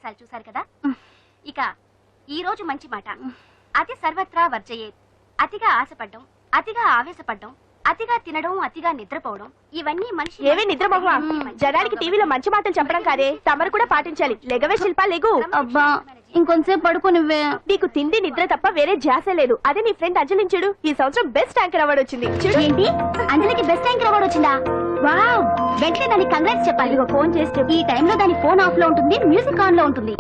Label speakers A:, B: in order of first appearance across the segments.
A: సన్నివేశాలు చూశారు కదా. ఇక ఈ రోజు మంచి మాట. అతి సర్వత్రా వర్జయేత్. అతిగా ఆశపడ్డం, అతిగా ఆవేశపడ్డం, అతిగా తినడం, అతిగా నిద్రపోవడం, ఇవన్నీ మనిషి.
B: ఏవే నిద్రపోవా? జనానికి టీవీలో మంచి మాటలు చెప్పడం కాదే, తమరు కూడా పాటించాలి. లెగవే శిల్పా, లెగు.
A: అబ్బా ఇంకొంచెంసేపు పడుకో నువ్వే.
B: నీకు తిండి నిద్ర తప్ప వేరే ధ్యాస లేదు. అదే నీ ఫ్రెండ్ అంజలించుడు, ఈ సంవత్సరం బెస్ట్ యాంకర్ అవార్డు వచ్చింది.
A: ఏంటి, అంజలికి బెస్ట్ యాంకర్ అవార్డు వచ్చిందా? వావ్, వెంటనే దానికి కంగ్రాట్స్ చెప్పాలి.
B: ఫోన్ చేస్తే
A: ఈ టైంలో దాని ఫోన్ ఆఫ్ లో ఉంటుంది, మ్యూజిక్ ఆన్ లో ఉంటుంది.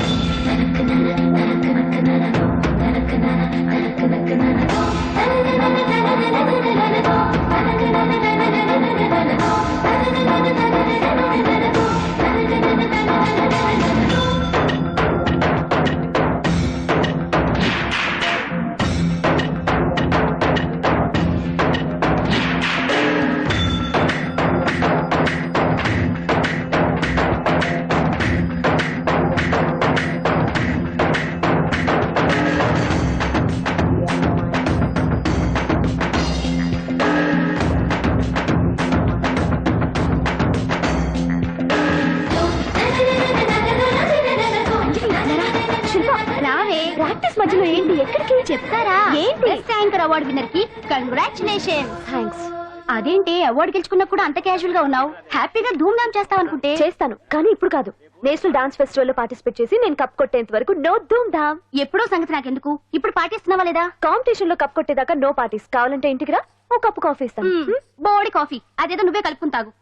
A: ప్రాక్టీస్ మధ్యలో ఏంటి, ఎక్కడికి చెప్తారా? ఏంటి? బెస్ట్ యాంకర్ అవార్డు విన్నర్ కి కంగ్రాచులేషన్స్. థాంక్స్. అదేంటి అవార్డు గెలుచుకున్నా కూడా అంత క్యాజువల్ గా ఉన్నావు? హ్యాపీగా ధూమ్ ధామ్ చేస్తావు అనుకుంటే.
B: చేస్తాను, కానీ ఇప్పుడు కాదు. నేషనల్ డాన్స్ ఫెస్టివల్ లో పార్టిసిపేట్ చేసి నేను కప్ కొట్టేంత వరకు నో ధూమ్ ధామ్.
A: ఎప్పుడో సంగతి నాకెందుకు, ఇప్పుడు పాటిస్తున్నావా లేదా?
B: కాంపిటీషన్ లో కప్ కొట్టేదాకా నో పార్టీస్. కావాలంటే ఇంటికి రా, ఓ కప్పు కాఫీ ఇస్తాను.
A: బోడి కాఫీ, అదేదో నువ్వే కలుపుకుని తాగు.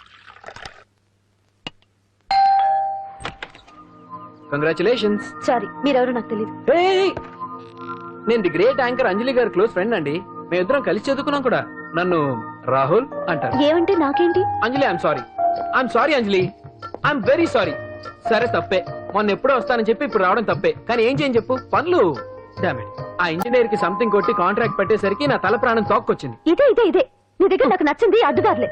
C: కంగ్రాచులేషన్స్.
B: సారీ, మీరెవరో నాకు తెలియదు.
C: నేను ది గ్రేట్ యాంకర్ అంజలి గారి క్లోజ్ ఫ్రెండ్ అండి. మేమిద్దరం కలిసి చదువుకున్నాం కూడా. నన్ను రాహుల్ అంటారు.
B: ఏమంటే నాకేంటి?
C: Anjali, I'm sorry Anjali, I'm very sorry. సరే తప్పే, మొన్న ఎప్పుడో వస్తానని చెప్పి ఇప్పుడు రావడం తప్పే. కానీ ఏం చేయని చెప్పు, పనులు. ఆ ఇంజనీర్ కి సంథింగ్ కొట్టి కాంట్రాక్ట్ పెట్టేసరికి నా తల ప్రాణం తోక్కొచ్చింది.
B: ఇదే నీ దగ్గర నాకు నచ్చింది అడ్డుదారులే.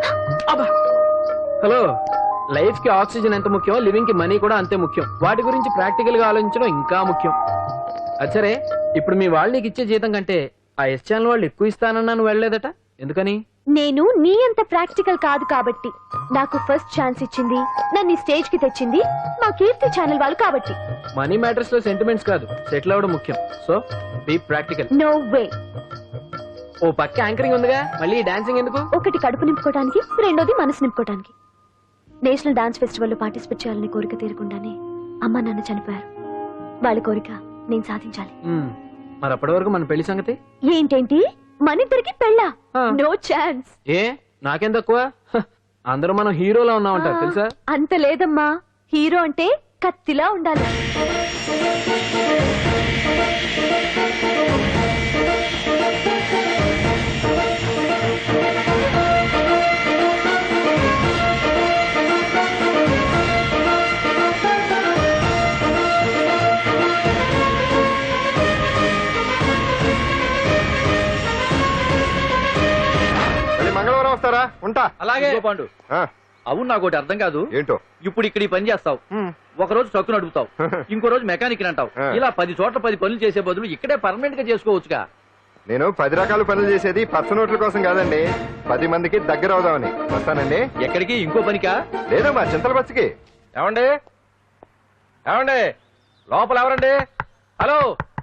C: హలో, లైఫ్ కి ఆక్సిజన్ ఎంత ముఖ్యం, లివింగ్ కి మనీ కూడా అంతే ముఖ్యం. వాటి గురించి ప్రాక్టికల్ గా ఆలోచించడం ఇంకా ముఖ్యం. అచ్చరే, ఇప్పుడు మీ వాళ్ళు నీకు ఇచ్చే జీతం కంటే ఆ ఎస్ ఛానల్ వాళ్ళు ఎక్కువ ఇస్తానన్నా నువ్వు వెళ్ళలేదట, ఎందుకని?
B: నేను నీ అంత ప్రాక్టికల్ కాదు కాబట్టి. నాకు ఫస్ట్ ఛాన్స్ ఇచ్చింది, నన్ను స్టేజ్ కి తెచ్చింది మా కీర్తి ఛానల్ వాళ్ళు కాబట్టి.
C: మనీ మ్యాటర్స్ లో సెంటిమెంట్స్ కాదు, సెటిల్ అవ్వడం ముఖ్యం. So be practical.
B: No way.
C: ఓ పక్క యాంకరింగ్ ఉందిగా, మళ్ళీ డాన్సింగ్ ఎందుకు?
B: ఒకటి కడుపు నింపుకోవడానికి, రెండోది మనసు నింపుకోవడానికి. నేషనల్ డాన్స్ ఫెస్టివల్ లో పార్టిసిపేట్ చేయాలని కోరిక తీరకుండానే అమ్మ నాన్న చనిపోయారు. వాళ్ళ కోరిక నేను సాధించాలి.
C: మరి అప్పటి వరకు మన పెళ్లి సంగతి
B: ఏంటేంటి? మనిద్దరికి పెళ్ళా? No chance.
C: ఏ నాకేం తక్కువ? అందరూ మనం హీరోలా ఉన్నామంటారు తెలుసా?
B: అంత లేదమ్మా, హీరో అంటే కత్తిలా ఉండాలి.
D: మంగళవారం వస్తారా? ఉంటా.
E: అలాగే పాండు. అవును, నాకు ఒకటి అర్థం కాదు.
D: ఏంటో?
E: ఇప్పుడు ఇక్కడ ఈ పని చేస్తావు, ఒక రోజు ట్రక్కు నడుపుతావు, ఇంకో రోజు మెకానిక్ అంటావు. ఇలా 10 చోట్ల 10 పనులు చేసే బదులు ఇక్కడే పర్మనెంట్ గా చేసుకోవచ్చుగా.
D: నేను 10 రకాల పనులు చేసేది పచ్చ నోట్ల కోసం కాదండి, 10 మందికి దగ్గర అవుదామని. వస్తానండి.
E: ఎక్కడికి? ఇంకో పనికా?
D: లేదు, మా చింతల బస్సుకి.
E: ఏమండి ఏమండి, లోపల ఎవరండి? హలో,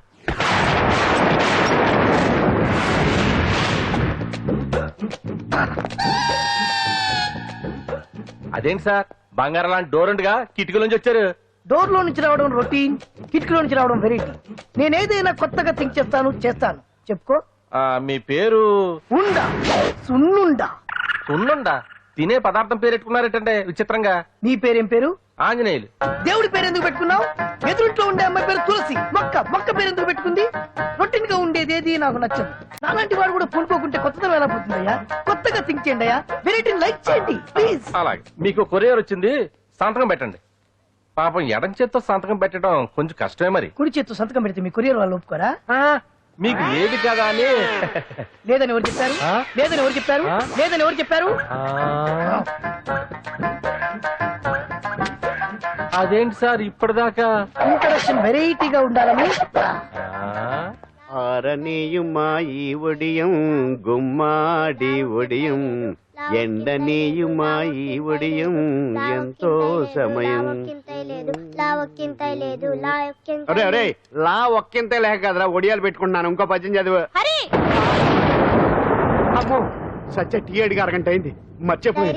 E: అదేంటి సార్, బంగారం లాంటి డోర్ ఉండగా కిటికీ నుంచి వచ్చారు?
F: డోర్ లో నుంచి రావడం రొటీన్, కిటికీలో నుంచి రావడం వెరైటీ. నేనేదైనా కొత్తగా థింక్ చేస్తాను. చెప్పుకో.
E: మీ పేరు?
F: ఉండా, సున్నుండా.
E: సున్నుండా? తినే పదార్థం పేరు పెట్టుకున్నారేటంటే విచిత్రంగా.
F: నీ పేరేం పేరు?
E: ఆంజనేయులు.
F: దేవుడి పేరు ఎందుకు పెట్టుకున్నావు? ఎదురుంట్లో ఉండే అమ్మాయి పేరు తులసి. మొక్క పేరు ఎందుకు పెట్టుకుంది? రొటీన్ గా ఉండేది ఏది నాకు నచ్చదు. నాలాంటి వాడు కూడా పూనుకోకుంటే కొత్తదనం ఎలా పోతుందయ్యా? కొత్తగా థింక్ చేయండి అయ్యా, వెరైటీని లైక్ చేయండి ప్లీజ్.
E: అలాగే, మీకు కొరియర్ వచ్చింది, సంతకం పెట్టండి. పాపం ఎడం చేత్తో సంతకం పెట్టడం కొంచెం కష్టమే. మరి
F: కుడి చేత్తో సంతకం పెడితే మీ కొరియర్ వాళ్ళు ఒప్పుకోరా?
E: మీకు లేదు కదా అని.
F: లేదని ఎవరు చెప్పారు? లేదని ఎవరు చెప్పారు? లేదని ఎవరు చెప్పారు?
E: అదేంటి సార్ ఇప్పటిదాకా
F: ఇంట్రడక్షన్ వెరైటీగా ఉండాలని.
G: ఆరనీయుమా ఈ ఒడియం గుమ్మాడి ఒడియం ఎండనీయుమా ఈ ఒడియం ఎంతో సమయం. అరే అరే లా ఒక్కింతే లేక కదరా ఒడియాలు పెట్టుకుంటున్నాను. ఇంకో పద్యం చదివు. అమ్మో సత్య టీ అడిగి అరగంట అయింది. మర్చిపోయి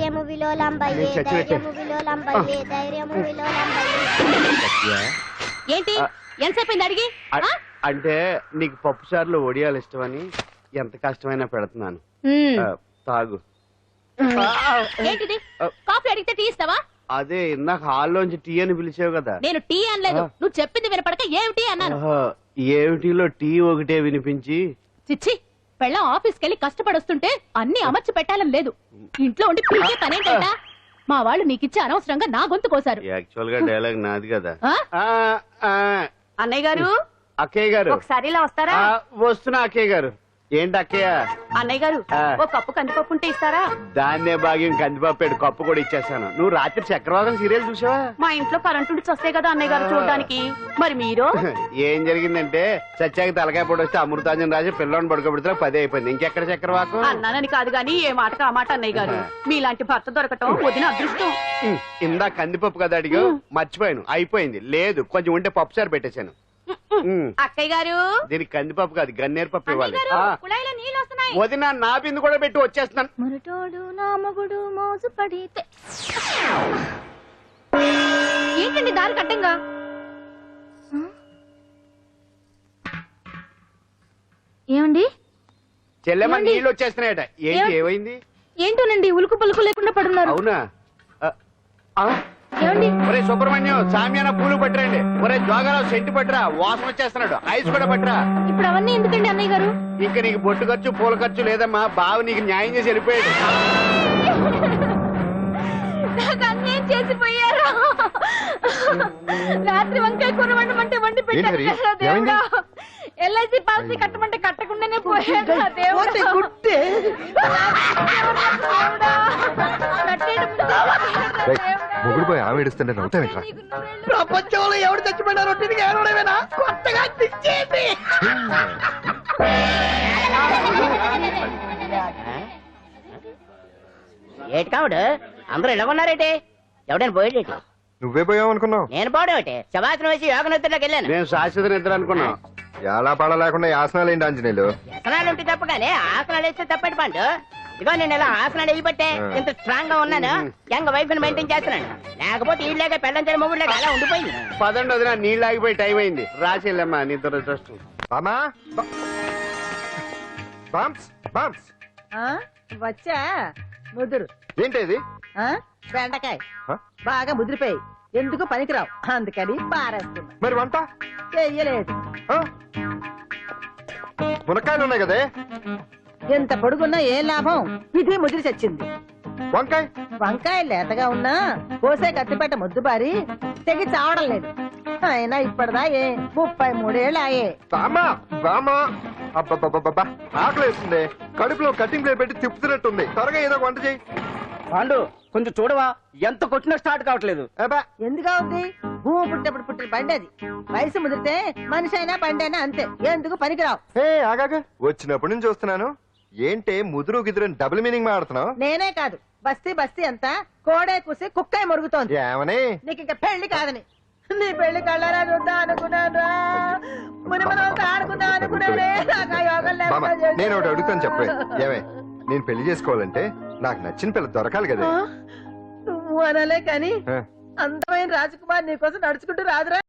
A: ఏంటి ఎంతసేపు అడిగి
G: అంటే నీకు పప్పు సార్లు ఒడియాలు ఇష్టమని ఎంత కష్టమైనా పెడుతున్నాను. తాగు.
A: ఏంటిది కాఫీ అడిగితే టీ ఇస్తావా?
G: అదే ఇందాక హాల్లోంచి టీ అని పిలిచావు కదా.
A: నేను టీ అనలేదు, నువ్వు చెప్పింది వినపడక ఏమిటి అన్నాను.
G: ఏమిటిలో టీ ఒకటే వినిపించి
A: చిచ్చి పెళ్ళం ఆఫీస్కి వెళ్ళి కష్టపడొస్తుంటే అన్ని అమర్చి పెట్టాలని లేదు. ఇంట్లో ఉండి పీకే పనేంటంట. మా వాళ్ళు నీకిచ్చి అనవసరంగా నా గొంతు కోసారు.
G: యాక్చువల్ గా డైలాగ్ నాది కదా.
A: అన్నయ్య గారు,
G: అక్కయ్య గారు
A: ఒకసారి ఇలా వస్తారా?
G: వస్తున్నా అక్కయ్య గారు. ఏంటి అక్కయ్య?
A: అన్నయ్య గారు ఒక కప్పు కందిపప్పు ఉంటే ఇస్తారా?
G: దాన్నే భాగ్యం కందిపప్పు కప్పు కూడా ఇచ్చేసాను. నువ్వు రాత్రి చక్రవాదం సీరియల్ చూసావా?
A: మా ఇంట్లో కరెంటు ఉండి వస్తే కదా అన్నయ్య గారు చూడడానికి. మరి మీరు?
G: ఏం జరిగిందంటే సత్యాకి తలకాయ పొడి వస్తే అమృతాంజన్ రాజు పిల్లని పడుకోబెడితే 10 అయిపోయింది. ఇంకెక్కడ చక్రవాకం?
A: అన్నానని కాదు గాని ఏ మాటకు ఆ మాట అన్నయ్య గారు. మీలాంటి భర్త దొరకటం వదిన అదృష్టం.
G: ఇందా కందిపప్పు కదా అడిగా, మర్చిపోయాను. అయిపోయింది. లేదు కొంచెం ఉంటే పప్పు సార్ పెట్టేశాను.
A: అక్కయ్య గారు
G: దీనికి కందిపప్పు కాదు గన్నేరు పప్పు ఇవ్వాలి.
A: కుళాయిలో నీళ్ళు వస్తున్నాయి.
G: వదిన నా బిందు కూడా పెట్టి వచ్చేస్తున్నాను.
B: మురటోడు నా మగుడు మోజు పడితే.
A: ఏంటండి దారి కట్టంగా?
B: ఏమండి
G: చెల్లెమ్మ నీళ్ళు వచ్చేస్తున్నాయట. ఏంటి ఏమైంది?
B: ఏంటోనండి ఉలుకు పలుకు లేకుండా పడున్నారు.
G: అవునా?
B: ఏమండి
G: ఒరే సుబ్రహ్మణ్యం సామ్యాన పూలు పట్టరండి. ఒరే జోగారావు సెంటు పట్టరా, వాసన వచ్చేస్తున్నాడు. ఐస్ కూడా పట్టరా.
B: ఇప్పుడు అవన్నీ ఎందుకండి అన్నయ్య గారు?
G: ఇంకా నీకు బొట్టు ఖర్చు పూల ఖర్చు లేదమ్మా. బావ నీకు న్యాయం చేసి వెళ్ళిపోయాడు.
B: నాకు అన్యాయం చేసిపోయారు. రాత్రి వంకాయ కూర వండమంటే వండి పెట్టారు కదా దేవుడా. ఎల్ఐసి పాలసీ కట్టమంటే కట్టకుండానే పోయాడు దేవుడా.
F: గుట్టే
D: మొగుడు పోయి ఆమె ఏడుస్తుంటే నవ్వుతావేట్రా?
F: ప్రపంచంలో ఎవరు చచ్చిపోయినా రొట్టెని ఏడవడమేనా? కొత్తగా తెచ్చేయండి.
H: ఏటి కావుడు అందరూ ఇలా ఉన్నారేటి? ఎవడైనా పోయేటి?
D: నువ్వే పోయావు అనుకున్నావు.
H: నేను పోవడేటి? శవాసనం వేసి యోగ నిద్రలోకి వెళ్ళాను.
G: నేను శాశ్వత నిద్ర అనుకున్నా.
D: ఎలా పాడ లేకుండా యాసనాలు ఏంటి ఆంజనేయులు?
H: వ్యసనాలు ఉంటే తప్ప కానీ ఆసనాలు వేస్తే తప్పటి పండు. ఇదిగో నేను ఇలా ఆసనాలు వేయబట్టే ఇంత స్ట్రాంగ్ గా ఉన్నాను. యంగ్ వైఫ్ ని మెయింటైన్ చేస్తున్నాను. లేకపోతే ఈ లేక పెళ్ళంచని మొగుడు లేక అలా ఉండిపోయింది.
G: పదండి వదిన, నీళ్ళు ఆగిపోయి టైం అయింది. రాసేళ్ళమ్మా నీ దురదృష్టం.
D: బామా బామ్స్ బామ్స్
I: వచ్చా ముదురు
D: ఏంటి
I: బెండకాయ
D: ఆ?
I: బాగా ముదిరిపోయి ఎందుకు పనికిరావు అందుకని పారేస్తున్నా.
D: మరి వంట
I: చెయ్యలేదు.
D: ఆ? మునక్కాయలు ఉన్నాయి కదే.
I: ఎంత పొడుగున్నా ఏం లాభం? ఇది ముదిరి చచ్చింది.
D: వంకాయ
I: వంకాయ లేతగా ఉన్నా కోసే కత్తిపేట ముద్దుబారి తెగి చావడం లేదు. అయినా ఇప్పటిదా 33 ఏళ్ళు ఆయే.
D: బామా బామా అబ్బబ్బబ్బబ్బా ఆకలి వేస్తుంది. కడుపులో కటింగ్ ప్లేట్ పెట్టి తిప్పుతున్నట్టుంది. త్వరగా ఏదో వంట చేయి.
E: పాండు కొంచెం చూడవా, ఎంత కొట్టినా స్టార్ట్ కావట్లేదు.
I: ఎందుగా ఉంది? భూమి పుట్టినప్పుడు పుట్టిన బండి అది. వయసు ముదిరితే మనిషి అయినా బండి అయినా అంతే. ఎందుకు పనికిరావు.
D: ఆగాక వచ్చినప్పటి నుంచి చూస్తున్నాను. ఏంటే ముదురు గిదురు డబుల్ మీనింగ్ మాడుతున్నావు?
I: నేనే కాదు బస్తీ బస్తీ అంతా కోడే కూసి కుక్కాయ మొరుగుతోంది.
D: ఏమని?
I: నీకు ఇంకా పెళ్లి కాదని. నీ పెళ్లి కళ్ళారా చూద్దాం అనుకున్నాను. మునిమనంతా ఆడుకుందాం అనుకున్నానే. నాకు ఆ యోగం
D: బామ్మ,
I: లేకుండా
D: నేను ఒకటి అడుగుతాను చెప్పే. ఏమే నేను పెళ్లి చేసుకోవాలంటే నాకు నచ్చిన పిల్ల దొరకాలి కదా.
I: నువ్వు అనలే కాని
D: ఆ.
I: అందమైన రాజకుమార్ నీకోసం నడుచుకుంటూ రాదురా.